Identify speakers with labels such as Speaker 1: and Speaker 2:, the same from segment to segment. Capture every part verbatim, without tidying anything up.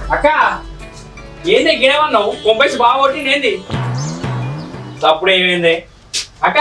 Speaker 1: అక్క ఏంది గిడవన్నావు కొంపేసి బాగా కొట్టింది ఏంది తప్పుడు ఏమైంది అక్క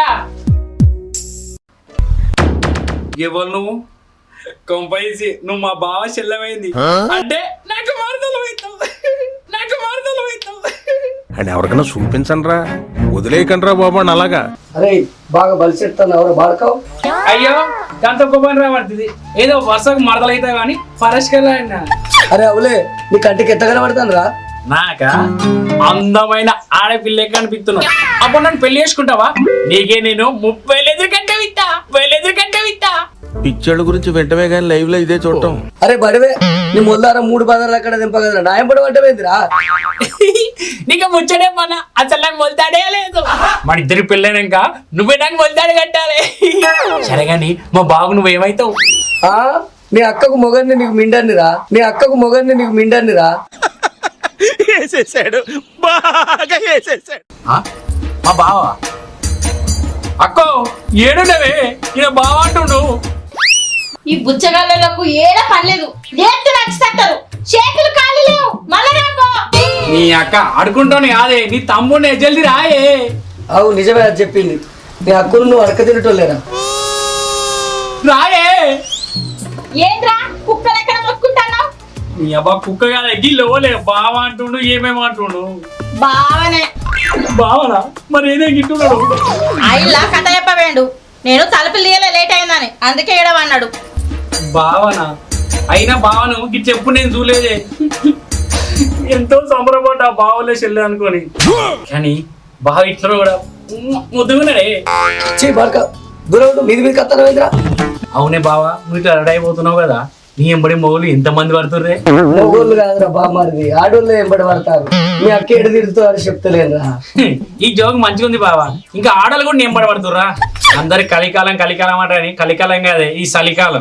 Speaker 1: ఎవరు నువ్వు కొంపేసి నువ్వు మా బావ చెల్లమైంది అంటే నాకు మారుదలు అవుతావు నాకు మారుదలు అవుతావు
Speaker 2: అని ఎవరికైనా చూపించండి రా వదిలేయకండి రా బాబు అని అలాగా.
Speaker 3: అరే బాగా బలిసెడతాను ఎవరు బాడకావు.
Speaker 1: అయ్యో దాంతో గొప్పని రాబడుతుంది ఏదో వర్షకు మరదలు అవుతావు కానీ ఫరెస్ట్ కెళ్ళా.
Speaker 3: అరే అవులే నీ కంటికి ఎట్ట కనబడతాను రా.
Speaker 1: నాక అందమైన ఆడపిల్ల కనిపిస్తున్నావు అప్పుడు నన్ను పెళ్లి చేసుకుంటావా? నీకే నేను ముప్పై ఎదురు కంటే విత్తా ముప్పై ఎదురు కంటే విత్తా.
Speaker 2: పిచ్చోళ్ళ గురించి వెంటనే కానీ లైవ్ లో ఇదే చూడటం.
Speaker 3: అరే బడివే నీ మొదలారా మూడు పదాలు అక్కడ దింపగలరా నాయం పడి పడ్డమేందిరా.
Speaker 1: నీకు ముచ్చడే మన అసలు నాకు మొలతాడే లేదు. మన ఇద్దరి పెళ్ళైనాక నువ్వే నాకు మొలతాడు కట్టాలి. సరే గాని మా బాబు నువ్వేమైతావు?
Speaker 3: ఆ నీ అక్కకు మొగన్ని నీకు మిండన్నిరా నీ అక్కకు మొగన్ని నీకు మిండన్నిరా.
Speaker 2: వేసేసాడు బాగా వేసేసాడు.
Speaker 1: మా బావ అక్కో ఏడునవే ఈయన బావ అంటుండు.
Speaker 4: ఈ బుచ్చగాళ్ళకు ఏడ పనిలేదు లేట్టు నచ్చిస్తారు చేతులు ఖాళీ లేవు మళ్ళా రాకో.
Speaker 1: నీ అక్క అడుకుంటాను కాదే నీ తమ్ముడిని జల్ది రాయే.
Speaker 3: అవు నిజమే అది చెప్పింది నీ అక్కను నువ్వు అడక తినటోలేరా.
Speaker 1: రాయే
Speaker 4: ఏంద్రా కుక్కలు ఎక్కడ మొత్తుకుంటున్నావు?
Speaker 1: నీ అబ్బా కుక్క కాదు ఎగ్గిలోలే బావ అంటుండు ఏమేమో అంటుండు.
Speaker 4: బావనే
Speaker 1: బావనా మరి ఏదే గిట్టున్నాడు.
Speaker 4: అయిలా కథ చెప్పవేండు నేను తలుపులు తీయలే లేట్ అయిందని అందుకే ఏడవన్నాడు.
Speaker 1: బావనా అయినా బావను గిట్ చెప్పు నేను చూడలేదే. ఎంతో సంబరపడ్డా బావలే చెల్లె అనుకోని కానీ బావ ఇట్లా కూడా ముద్దుగున్నాడే.
Speaker 3: చీ బాడక దూరం మీది మీద కత్తారా.
Speaker 1: అవునే బావా నువ్వు ఇట్లా రెడీ అయిపోతున్నావు కదా నీ ఎంబడి మొగులు ఎంత మంది పడుతుర్రే.
Speaker 3: మొగోళ్ళు కాదురా బామ్మారిది ఆడోళ్ళు ఎంబడి పడతారు. మీ అక్క ఎడు తిరుగుతారు చెప్తలేదురా.
Speaker 1: ఈ జోక్ మంచిగా ఉంది బావా ఇంకా ఆడలు కూడా ఎంబడి పడుతుర్రా. అందరి కలికాలం కలికాలం అంటారని కలికాలం కాదే ఈ చలికాలం.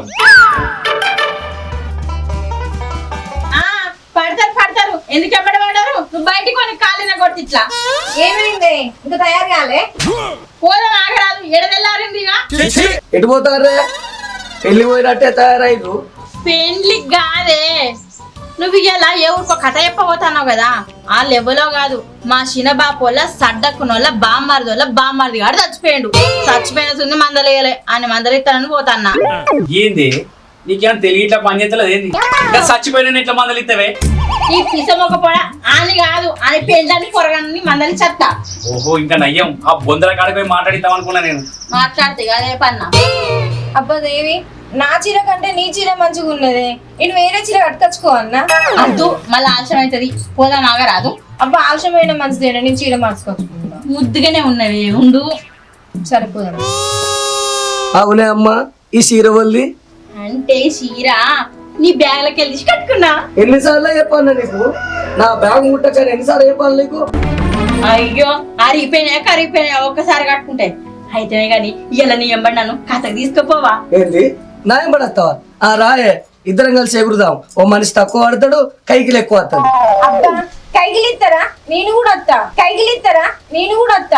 Speaker 4: పడతారు పడతారు ఎందుకు ఎప్పటి పడ్డారు? నువ్వు బయటికి కొన్ని కాలిన కొట్టి ఇట్లా
Speaker 5: ఏమైంది ఇంకా తయారు కాలే?
Speaker 4: పోదాం ఆగరాదు ఎడదెల్లారింది.
Speaker 3: ఎటు పోతారే పెళ్లి పోయినట్టే తయారైరు.
Speaker 4: పెండ్లి కాదే నువ్వు ఇలా ఎవరికో కథ చెప్పబోతున్నావు కదా ఆ లెవెల్లో కాదు. మా చిన్నబాపోళ్ళ సడ్డకునోళ్ళ బామ్మారిదోళ్ళ బామ్మారిది గాడు చచ్చిపోయాడు. చచ్చిపోయిన సున్ని మందలేయలే అని మందలిస్తానని పోతాన్నా.
Speaker 1: ఏంది నీకేమైనా తెలియ ఇట్లా పని చేస్తలేదు ఏంది చచ్చిపోయిన ఇట్లా మందలు ఇస్తావే?
Speaker 4: ఈ పిసమొక పొడ అని కాదు అని పెండ్లని పొరగాని మందలి చెత్త.
Speaker 1: ఓహో ఇంకా నయ్యం ఆ బొందల కాడికి పోయి మాట్లాడిద్దాం అనుకున్నా నేను.
Speaker 4: మాట్లాడితే అదే పన్నా.
Speaker 5: అబ్బా దేవి నా చీర కంటే నీ చీర మంచిగా ఉన్నదే నేను వేరే చీర కట్టుకొచ్చుకో అన్నా.
Speaker 4: అద్దు మళ్ళీ ఆలస్యం అవుతుంది పోదాం ఆగరాదు.
Speaker 5: అబ్బా ఆలస్యమైన మంచిదేనా నేను చీర మార్చుకొచ్చుకుంటా.
Speaker 4: ముద్దుగానే ఉన్నవి ఉండు
Speaker 5: సరిపోదాం.
Speaker 3: అవునే అమ్మా ఈ చీర వల్లి
Speaker 4: అంటే చీర నీ బ్యాగ్ లకి వెళ్ళి కట్టుకున్నా.
Speaker 3: ఎన్నిసార్లు చెప్పాను నీకు నా బ్యాగ్ ముట్టకని ఎన్నిసార్లు చెప్పాలి నీకు?
Speaker 4: అయ్యో అరిగిపోయినా కరిగిపోయినా ఒక్కసారి కట్టుకుంటే అయితే గాని ఇలా నీ ఎంబడి నన్ను కథకు తీసుకుపోవా?
Speaker 3: ఏంది నా ఎంబడస్తావా? ఆ రాయే ఇద్దరం కలిసి ఎగురుదాం. ఓ మనిషి తక్కువ ఆడతాడు కైకిలు ఎక్కువ వస్తాడు.
Speaker 5: అబ్బా కైగిలిస్తారా నేను కూడా వస్తా కైగిలిస్తారా నేను కూడా వస్తా.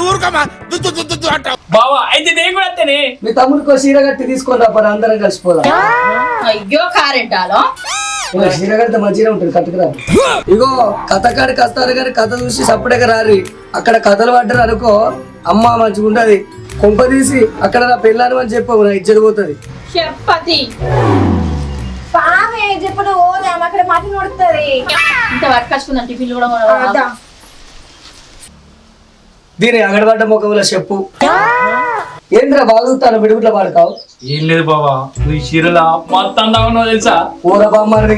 Speaker 1: బావా అయితే నేను కూడా వస్తేనే
Speaker 3: మీ తమ్ముడికి చీర కట్టి తీసుకొని రా పని అందరం కలిసిపోదాం.
Speaker 4: అయ్యో కారెంటాలో
Speaker 3: ఇలా చీర కడితే మంచిగా ఉంటుంది కట్టుకురా. ఇగో కథ కాడికి వస్తారు కానీ కథ చూసి సప్పుడేగా రారి. అక్కడ కథలు పడ్డారు అనుకో అమ్మ మంచిగా ఉంటది. కొంప తీసి అక్కడ నా పెళ్ళాను అని చెప్పవు నా ఇజ్జత పోతుంది.
Speaker 4: చెప్పతి
Speaker 5: పామే చెప్పుడు ఓదాం అక్కడ మట్టి నడుతుంది.
Speaker 4: ఇంత వర్క్ వచ్చుకుందాం టిఫిన్ కూడా.
Speaker 3: దీని అగడబడ్డ ముఖంలో చెప్పు ఏంద్రా బాగుతాను బిడుగుట్ల పాడుతావు.
Speaker 1: ఏం లేదు బావా నువ్వు ఈ చీరలా మొత్తం అందామన్నావు తెలుసా?
Speaker 3: ఊర బామ్మారి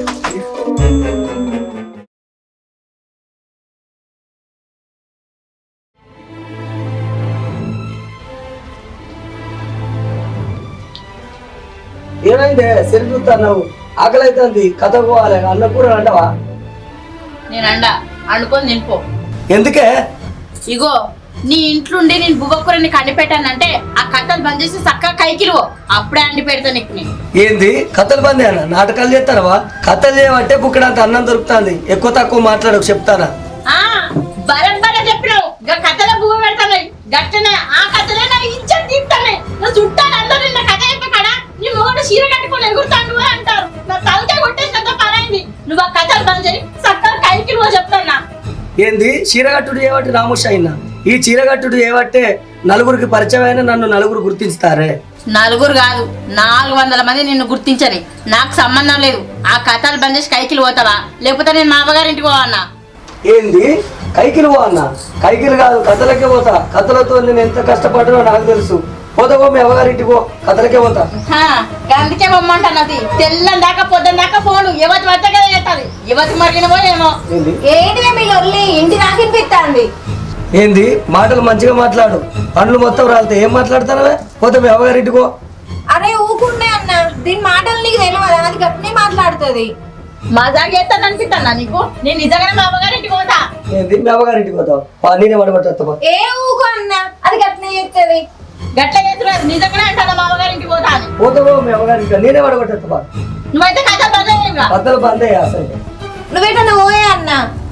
Speaker 3: ఏమైందే సెల్ చూస్తావు ఆకలి అవుతుంది కథ పోవాలి అన్న కూర అంటావా?
Speaker 4: నేను అండ అండుకొని తినిపో.
Speaker 3: ఎందుకే?
Speaker 4: ఇగో నీ ఇంట్లుండి నేను బువ్వకూరని కండి పెట్టానంటే ఆ కథలు బంద్ చేసి చక్కగా కైకిలు అప్పుడే అండి పెడతా నీకు. నేను
Speaker 3: ఏంది కథలు బంద్ అన్న నాటకాలు చేస్తానవా? కథలు చేయమంటే బుక్కడంత అన్నం దొరుకుతుంది. ఎక్కువ తక్కువ మాట్లాడకు చెప్తానా?
Speaker 4: ఆ బరబర చెప్పినావు కథలో బువ్వ పెడతాను గట్టనే ఆ కథలే నా ఇచ్చాను తీస్తానే నా చుట్టాలు అందరూ నా కథ అయిపోయి కదా నీ మొగడు చీర కట్టుకొని ఎగురుతాను అంటారు. నా తలకే కొట్టేసినంత పనైంది. నువ్వు ఆ కథ కథలు బంద్ చేయి చక్కగా కైకి నువ్వు చెప్తాన్నా.
Speaker 3: ఏంది చీరగట్టుడు చేయబట్టి రాముష్ అయినా ఈ చీరగట్టుడు చేయబట్టే నలుగురికి పరిచయం అయినా నన్ను నలుగురు గుర్తిస్తారే.
Speaker 4: నలుగురు కాదు నాలుగు వందల మంది నిన్ను గుర్తించని నాకు సంబంధం లేదు. ఆ కథలు బంద్ చేసి కైకిలు పోతావా లేకపోతే నేను మా అమ్మగారింటికి పోవన్నా.
Speaker 3: ఏంది కైకిలు పో అన్న? కైకిలు కాదు కథలకే పోతా. కథలతో నేను ఎంత కష్టపడ్డానో నాకు తెలుసు. పోతావో మీ అమ్మగారింటికి పో, కథలకే పోతా.
Speaker 4: అందుకే బొమ్మంటున్నది తెల్లం దాకా పొద్దున్న దాకా పోను యువతి వద్ద కదా చేస్తుంది. యువతి మరిగినవో ఏమో.
Speaker 3: ఏంది
Speaker 5: ఏంటిదే మీ లొల్లి ఇంటి నాకినిపిస్తాంది.
Speaker 3: ఏంది మాటలు మంచిగా మాట్లాడు, పండ్లు మొత్తం రాలితే ఏం మాట్లాడతానవే? పోతే మీ అమ్మగారింటికి పో.
Speaker 5: అరే ఊకుండే అన్న, దీని మాటలు నీకు తెలియదు, అది గట్టినే మాట్లాడుతుంది.
Speaker 4: మజా చేస్తాను అనిపిస్తానా నీకు? నేను నిజంగానే మా అమ్మగారింటికి పోతా.
Speaker 3: ఏంది మీ అమ్మగారింటికి పోతావు? పా, నేనే పడబట్టా.
Speaker 5: ఏ ఊకు అన్న, అది గట్టినే చేస్తుంది.
Speaker 4: గట్ల చేస్తున్నారు నిజంగానే అంటాను మా అమ్మగారింటికి పోతా అని.
Speaker 3: పోతావో మీ అమ్మగారింటికి, నేనే పడబట్టా.
Speaker 4: నువ్వైతే కథ బంద్
Speaker 3: కథలు బంద్ అయ్యా అసలు.
Speaker 5: నువ్వేటన్నా పోయే అన్న.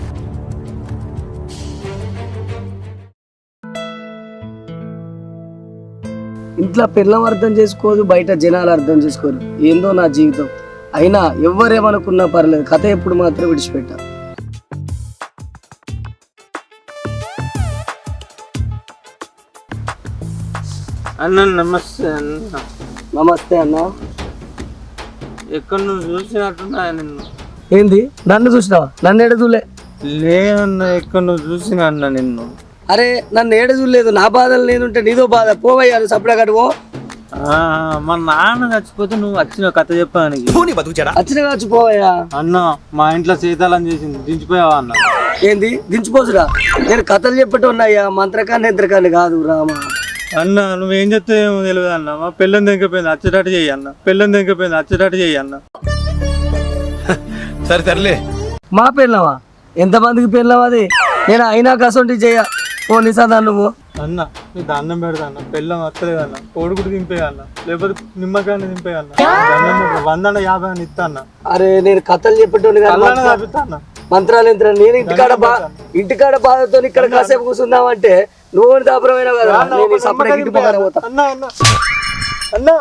Speaker 3: ఇంట్లో పిల్లం అర్థం చేసుకోదు, బయట జనాలు అర్థం చేసుకోరు. ఏందో నా జీవితం. అయినా ఎవరేమనుకున్నా పర్లేదు, కథ ఎప్పుడు మాత్రం విడిచిపెట్టా.
Speaker 6: అన్న నమస్తే అన్న.
Speaker 3: నమస్తే అన్న.
Speaker 6: ఎక్కడ నువ్వు చూసినట్టున్నా నిన్ను.
Speaker 3: ఏంది నన్ను చూసినావా? నన్ను ఏడ చూలే.
Speaker 6: లేదన్న, ఎక్కడ నువ్వు చూసినా అన్న నిన్ను.
Speaker 3: అరే నన్ను ఏడ చూడలేదు. నా బాధలు నేనుంటే నీదో బాధ. పోవయ్యాను సపడా కడువో.
Speaker 6: మా నాన్న చచ్చిపోతే నువ్వు వచ్చిన కథ చెప్పానికి
Speaker 3: వచ్చిన కావచ్చు పోవయ్యా.
Speaker 6: అన్న మా ఇంట్లో సీతాలని చేసింది దించిపోయావా అన్న?
Speaker 3: ఏంది దించిపోసురా? నేను కథలు చెప్పటం ఉన్నాయా, మంత్రకాన్ని యంత్రకాన్ని కాదు రామా.
Speaker 6: అన్న నువ్వేం చెప్తే ఏమో తెలియదు అన్న. మా పిల్లని దింకపోయింది అచ్చటాటు చెయ్యి అన్న. పిల్లని దింకపోయింది అచ్చటాటు చెయ్యి అన్న.
Speaker 2: సరే సర్లే.
Speaker 3: మా పెళ్ళవా? ఎంతమందికి పెళ్ళాం అది? నేను అయినా కసంటి చెయ్య. ఓ నిసా నువ్వు
Speaker 6: అన్న నీ దండం పెడతా అన్న. పిల్లం వస్తలేదు అన్న. కోడుకుడు దింపేయ అన్న, లేకపోతే నిమ్మకాయని దింపేయ అన్న. వంద అన్న యాభై అని ఇస్తా అన్న.
Speaker 3: అరే నేను కథలు చెప్పేటోని
Speaker 6: తప్పిస్తా అన్న.
Speaker 3: మంత్రాలు యంత్రాలు. నేను ఇంటికాడ బా ఇంటికాడ బాధతో ఇక్కడ కాసేపు కూర్చుందామంటే నువ్వు దాపురమైన కదా. నేను సపరేట్ ఇంటి పక్కన పోతా.
Speaker 6: అన్న అన్న అన్న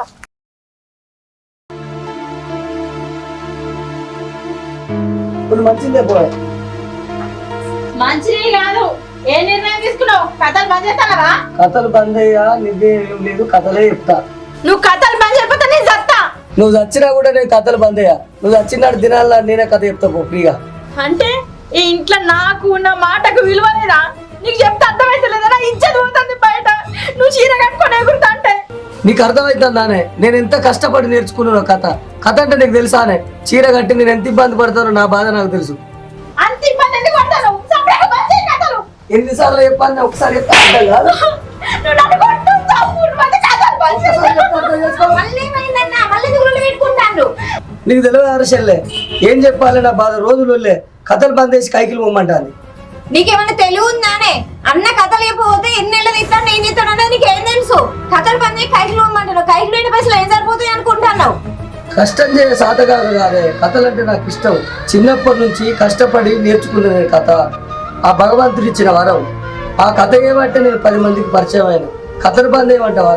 Speaker 3: ఇప్పుడు మంచిదే పోయే.
Speaker 4: మంచిది కాదు. ఏ నిర్ణయం తీసుకున్నావు? కథలు బంద్ చేస్తానవా?
Speaker 3: కథలు బంద్ అయ్యా, నిద్దేం లేదు, కథలే చెప్తా.
Speaker 4: నువ్వు కథలు బంద్ చేయకపోతే నేను చస్తా.
Speaker 3: నువ్వు చచ్చినా కూడా నేను కథలు బంద్ అయ్యా. నువ్వు చచ్చినాడు దినాల్లో నేనే కథ చెప్తా పో ఫ్రీగా.
Speaker 4: అంటే ఈ ఇంట్లో నాకు నా మాటకు విలువ లేదా? నీకు చెప్తే అర్థమైతే లేదా? ఇచ్చేది పోతుంది బయట. నువ్వు చీర కట్టుకొని ఎగురుతా అంటే
Speaker 3: నీకు అర్థమవుతుందానే నేను ఎంత కష్టపడి నేర్చుకున్నాను కథ. కథ అంటే నీకు తెలుసానే? చీర కట్టి నేను ఎంత ఇబ్బంది పడతానో నా బాధ నాకు తెలుసు.
Speaker 4: అంత ఇబ్బంది ఎందుకు పడతాను? సపరేట్గా బంద్ చేయి కథలు.
Speaker 3: ఎన్నిసార్లు చెప్పాను? ఒకసారి చెప్తా అర్థం కాదు.
Speaker 4: నువ్వు నన్ను కొట్టుకుంటావు. మూడు మంది కథలు బంద్ చేయి.
Speaker 3: ఒకసారి చెప్తా అర్థం చేసుకో.
Speaker 5: మళ్ళీ ఏమైందన్న? మళ్ళీ గురువులు పెట్టుకుంటాను.
Speaker 3: నీకు తెలియదు అరసల్లే ఏం చెప్పాలి నా బాధ. రోజులు కథలు బంద్ చేసి కైకిలు పోమంటాను.
Speaker 5: నీకేమైనా తెలివి ఉందానే? అన్న కథలు చెప్పబోతే ఎన్నేళ్ళు తీస్తాను నేను చెప్తాను అన్నది నీకేం తెలుసు? కథలు పని కైకిలు ఇవ్వమంటాను. కైకిలు అయిన పైసలు ఏం సరిపోతాయి అనుకుంటున్నావు?
Speaker 3: కష్టం చేయ సాధకాలు కాదే. కథలు అంటే నాకు ఇష్టం. చిన్నప్పటి నుంచి కష్టపడి నేర్చుకునే కథ ఆ భగవంతుడు ఇచ్చిన వరం. ఆ కథ ఏమంటే నేను పది మందికి పరిచయం అయిన. కథలు బంద్ ఏమంటావా?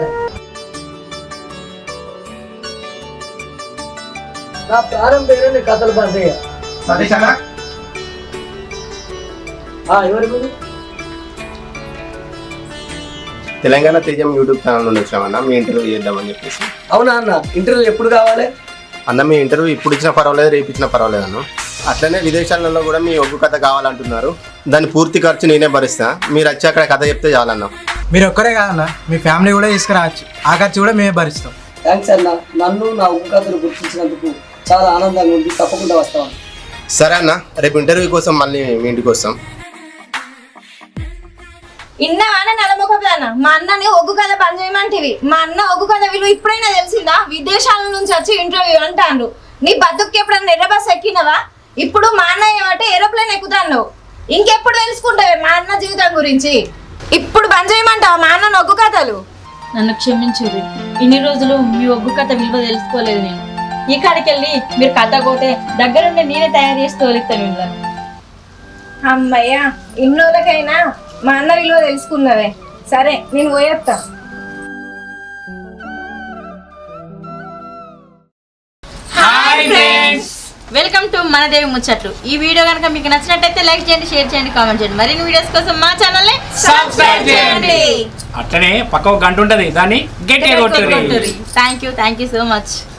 Speaker 3: నా ప్రాణం పేరే నేను కథలు బంద్ అయ్యా. ఎవరికి
Speaker 7: తెలంగాణ తేజం యూట్యూబ్ ఛానల్ నుండి వచ్చామన్నా మీ ఇంటర్వ్యూ చేద్దామని చెప్పేసి.
Speaker 3: అవునా అన్న? ఇంటర్వ్యూ ఎప్పుడు కావాలి
Speaker 7: అన్న? మీ ఇంటర్వ్యూ ఇప్పుడు ఇచ్చినా పర్వాలేదు, రేపు ఇచ్చినా పర్వాలేదు అన్న. అట్లనే విదేశాలలో కూడా మీ ఒగ్గు కథ కావాలంటున్నారు. దాని పూర్తి ఖర్చు నేనే భరిస్తా. మీరు వచ్చి అక్కడ కథ చెప్తే చాలన్నా.
Speaker 8: మీరు ఒక్కరే కాదన్న, మీ ఫ్యామిలీ కూడా తీసుకురావచ్చు. ఆ ఖర్చు కూడా మేమే భరిస్తాం.
Speaker 3: థ్యాంక్స్ అన్న. నన్ను నా ఒగ్గు కథను గుర్తించినందుకు చాలా ఆనందంగా ఉంది. తప్పకుండా వస్తాం.
Speaker 7: సరే అన్న, రేపు ఇంటర్వ్యూ కోసం మళ్ళీ మీ ఇంటికి వస్తాం.
Speaker 5: ఇన్నవానే నలమొకదాన మా అన్నని ఒగ్గు కథ బంద్ చేయమంటివి. మా అన్న ఒగ్గు కథ విలువ ఇప్పుడైనా తెలిసిందా? విదేశాల నుంచి వచ్చి ఇంటర్వ్యూ అంటాను. నీ బతుక్కి ఎప్పుడన్నా ఎర్ర బస్ ఎక్కినవా? ఇప్పుడు మా అన్న ఏమంటే ఏరోప్లేన్ ఎక్కుతాను. ఇంకెప్పుడు తెలుసుకుంటావే మా అన్న జీవితం గురించి? ఇప్పుడు బంద్ చేయమంటావా మా అన్న ఒగ్గు కథలు?
Speaker 4: నన్ను క్షమించుర్రి. ఇన్ని రోజులు మీ ఒగ్గు కథ విలువ తెలుసుకోలేదు నేను. ఈ కాడికి వెళ్ళి మీరు కథ పోతే దగ్గరుండి నేనే తయారు చేసి తోలిస్తాను వీళ్ళని.
Speaker 5: అమ్మయ్యా, ఇన్నోళ్ళకైనా మా అన్న విలువ తెలుసుకున్నవే. సరే నేను పోయేస్తా.
Speaker 4: వెల్కమ్ టు మనదేవి ముచ్చట్లు. ఈ వీడియో కనుక మీకు నచ్చినట్టయితే లైక్ చేయండి, షేర్ చేయండి, కామెంట్ చేయండి. మరిన్ని వీడియోస్ కోసం మా ఛానల్ ని
Speaker 1: సబ్స్క్రైబ్ చేయండి. అట్లనే పక్క ఒక గంట ఉంటది, దాన్ని గట్టిగా కొట్టుర్రి.
Speaker 4: Thank you thank you so much.